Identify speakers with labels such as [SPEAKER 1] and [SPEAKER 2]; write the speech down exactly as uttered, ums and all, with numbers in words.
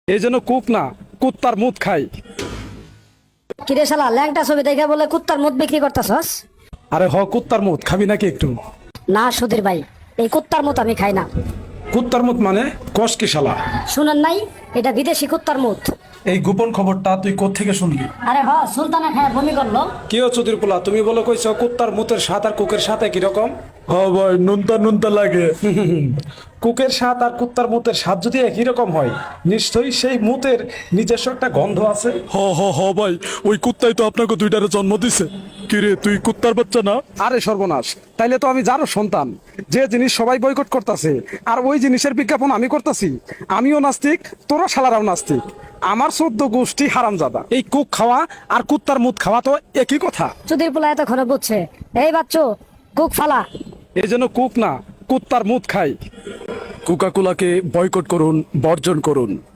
[SPEAKER 1] এই জন্য কুক না, কুত্তার মুত খাই।
[SPEAKER 2] কিরে শালা ল্যাংটা ছবি দেখে বলে কুত্তার মুখ বিক্রি করতেছস?
[SPEAKER 1] আরে হ, কুত্তার মুত খাবি নাকি একটু?
[SPEAKER 2] না সুধীর ভাই, এই কুত্তার মুখ আমি খাই না।
[SPEAKER 1] কুত্তার মুত মানে কস কি শালা?
[SPEAKER 2] শুনেন নাই, এটা বিদেশি কুত্তার মুখ।
[SPEAKER 1] এই গোপন খবরটা তুই কোত্থেকে শুনলি?
[SPEAKER 2] আরে হ, সুলতানা খায় বমি করলো।
[SPEAKER 1] কি ও চুদির পোলা, তুমি বলো কইছো কুত্তার মুতের স্বাদ আর কুকের সাথে কি রকম?
[SPEAKER 3] হ্যাঁ ভাই, নুনতা নুনতা লাগে।
[SPEAKER 1] কুকের স্বাদ আর কুত্তার মুতের স্বাদ যদি একই রকম হয়, নিশ্চয়ই সেই মুতের নিজস্ব একটা গন্ধ আছে।
[SPEAKER 3] হ হ হ ভাই, ওই কুত্তাই তো আপনাকে দুইটারে জন্ম দিছে। কিরে, তুই কুত্তার বাচ্চা না?
[SPEAKER 1] আরে সর্বনাশ, তাইলে তো আমি যারও সন্তান। যে জিনিস সবাই বয়কট করতেছে আর ওই জিনিসের বিজ্ঞাপন আমি করতেছি। আমিও নাস্তিক, তোরা শালারাও নাস্তিক। আমার চোদ্দ গোষ্ঠী হারামজাদা। এই কুক খাওয়া আর কুত্তার মুত খাওয়া তো একই কথা।
[SPEAKER 2] সুধীর পোলা এতক্ষণে বুঝছে। এই বাচ্চু, কুক ফালা।
[SPEAKER 1] এই জন্য কুক না, কুত্তার মুত খাই।
[SPEAKER 3] কোকা কোলাকে বয়কট করুন, বর্জন করুন।